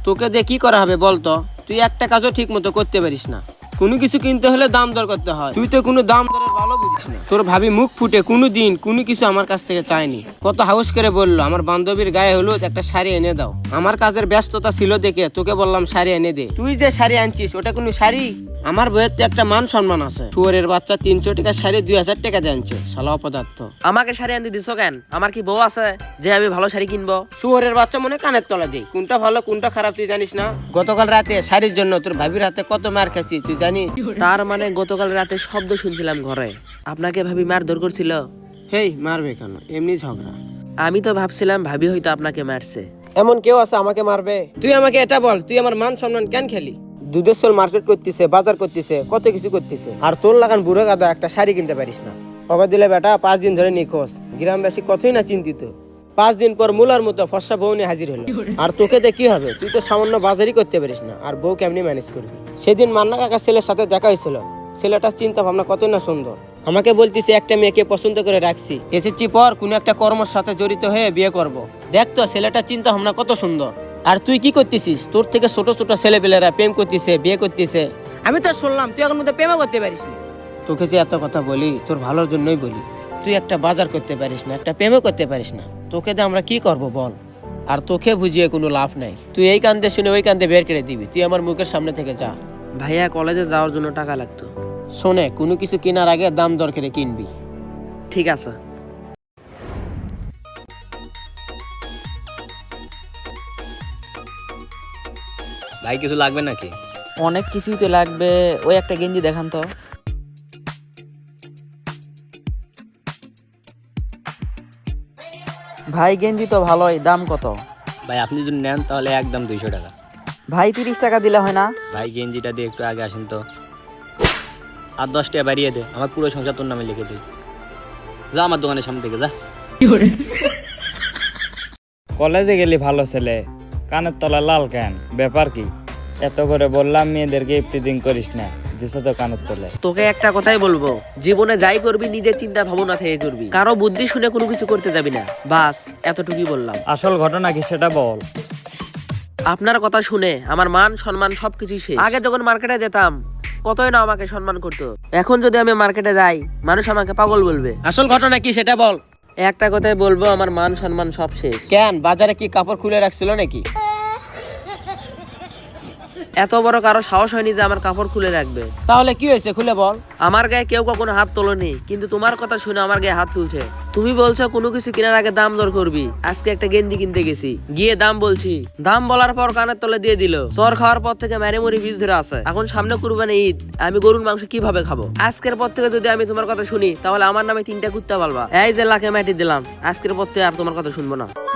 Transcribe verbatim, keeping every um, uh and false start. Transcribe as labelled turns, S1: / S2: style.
S1: তোকে দিয়ে কি করা হবে বলতো? তুই একটা কাজও ঠিক মতো করতে পারিস না। কোনো কিছু কিনতে হলে দাম দর করতে হয়, তুই তো কোনো দাম দরের ভালো বুঝিস না। তোর ভাবি মুখ ফুটে কোনো দিন কোনো কিছু আমার কাছ থেকে চায়নি। কত হাউস করে বললো আমার বান্ধবীর গায়ে হলুদ একটা শাড়ি এনে দাও। আমার কাজের ব্যস্ততা ছিল দেখে তোকে বললাম শাড়ি এনে দে। তুই যে শাড়ি আনছিস ওটা কোনো শাড়ি? আমার বইয়ের তো একটা মান সম্মান আছে। শুয়োরের বাচ্চা তিনশো টাকার শাড়ি দুই হাজার টাকা দিয়ে আনছে, শালা অপদার্থ।
S2: আমাকে শাড়ি আনতে দিছো কেন? আমার কি বউ আছে যে আমি ভালো শাড়ি কিনবো?
S1: শুয়োরের বাচ্চা মনে কানের তলা দেই, কোনটা ভালো কোনটা খারাপ তুই জানিস না? গতকাল রাতে শাড়ির জন্য তোর ভাবির হাতে কত মার খাচ্ছি তুই জানিস?
S2: তার মানে গতকাল রাতে শব্দ শুনছিলাম ঘরে, আপনাকে ভাবি মারধর করছিল?
S1: হেই, মারবে কেন? এমনি ঝগড়া।
S2: আমি তো ভাবছিলাম ভাবি হয়তো আপনাকে মারছে।
S1: এমন কেউ আছে আমাকে মারবে? তুই আমাকে এটা বল, তুই আমার মান সম্মান কেন খেলি? দুধের সোল মার্কেট করতেছে, বাজার করতেছে, কত কিছু করতেছে, আর তোর লাগান বুড়ো গাদা একটা শাড়ি কিনতে পারিস না। বাবা দিলে বেটা পাঁচ দিন ধরে নিখোঁজ, গ্রামবাসী কতই না চিন্তিত। পাঁচ দিন পর মুলার মতো ফর্সা বউ নিয়ে হাজির হলো। আর তোকে দিয়ে কি হবে? তুই তো সামান্য বাজারই করতে পারিস না, আর বউ কেমনি ম্যানেজ করবি? সেদিন মান্না কাকা ছেলের সাথে দেখা হয়েছিল, ছেলেটার চিন্তা ভাবনা কতই না সুন্দর। আমাকে বলতিছে একটা মেয়েকে পছন্দ করে রাখছি, এসেছি পর কোনো একটা কর্মের সাথে জড়িত হয়ে বিয়ে করব। দেখ তো ছেলেটার চিন্তা ভাবনা কত সুন্দর। আর তুই কি করতেছিস? তোর থেকে ছোট ছোট ছেলেপেলেরা প্রেম করতেছে, বিয়ে করতেছে। আমি তো শুনলাম তুই এখন মধ্যে প্রেমও করতে পারিস না। তোকে যে এত কথা বলি তোর ভালোর জন্যই বলি। তুই একটা বাজার করতে পারিস না, একটা প্রেমও করতে পারিস না, তোকে দিয়ে আমরা কি করব বল? আর তোকে বুঝিয়ে কোনো লাভ নাই। তুই এই কান্দে শুনে ওই কান্দে বের করে দিবি। তুই আমার মুখের সামনে থেকে যা।
S2: ভাইয়া কলেজে যাওয়ার জন্য টাকা লাগতো।
S1: শোনে, কোনো কিছু কেনার আগে দাম দর করে কিনবি।
S2: ঠিক আছে।
S3: ভাই কিছু লাগবে নাকি?
S2: অনেক কিছুই তো লাগবে, ওই একটা গেঞ্জি দেখান তো। ভাই গেঞ্জি তো ভালোই, দাম কত?
S3: ভাই আপনি যদি নেন তাহলে একদম দুইশো টাকা।
S2: ভাই তিরিশ টাকা দিলে হয় না?
S3: ভাই গেঞ্জিটা দিয়ে একটু আগে আসেন তো। আর দশ টাকা বাড়িয়ে দে, আমার পুরো সংসার তোর নামে লিখে দিই। যা আমার দোকানের সামনে থেকে যা।
S4: কলেজে গেলি ভালো ছেলে, কানের তলা লাল কেন? ব্যাপার কি? এত করে বললাম মেয়েদেরকে ইফটিজিং করিস না, দিছে তো কানের তলে।
S2: তোকে একটা কথাই বলবো, জীবনে যাই করবি নিজের চিন্তা ভাবনা থেকে করবি, কারো বুদ্ধি শুনে কোনো কিছু করতে যাবি না। বাস এতটুকুই বললাম।
S4: আসল ঘটনা কি সেটা বল।
S2: আপনার কথা শুনে আমার মান সম্মান সবকিছুই শেষ। আগে যখন মার্কেটে যেতাম কতই না আমাকে সম্মান করতো, এখন যদি আমি মার্কেটে যাই মানুষ আমাকে পাগল বলবে।
S1: আসল ঘটনা কি সেটা বল।
S2: একটা কথাই বলবো, আমার মান সম্মান সব শেষ।
S1: কেন, বাজারে কি কাপড় খুলে রাখছিল নাকি?
S2: এত বড় কারো সাহস হয়নি যে আমার কাপড় খুলে রাখবে।
S1: তাহলে কি হয়েছে খুলে বল।
S2: আমার গায়ে কেউ কখনো হাত তোলেনি, কিন্তু তোমার কথা শুনে আমার গায়ে হাত তুলছে। তুমি বলছো কোনো কিছু কেনার আগে দাম দর করবি। আজকে একটা গেঞ্জি কিনতে গেছি, গিয়ে দাম বলছি, দাম বলার পর কানের তলে দিয়ে দিল। চর খাওয়ার পর থেকে ম্যারি মরি বীজ ধরে আছে। এখন সামনে কুরবানি ঈদ, আমি গরুর মাংস কিভাবে খাবো? আজকের পর থেকে যদি আমি তোমার কথা শুনি তাহলে আমার নামে তিনটা কুত্তা পালবা। এই যে লাখে মাটি দিলাম, আজকের পর থেকে আর তোমার কথা শুনবো না।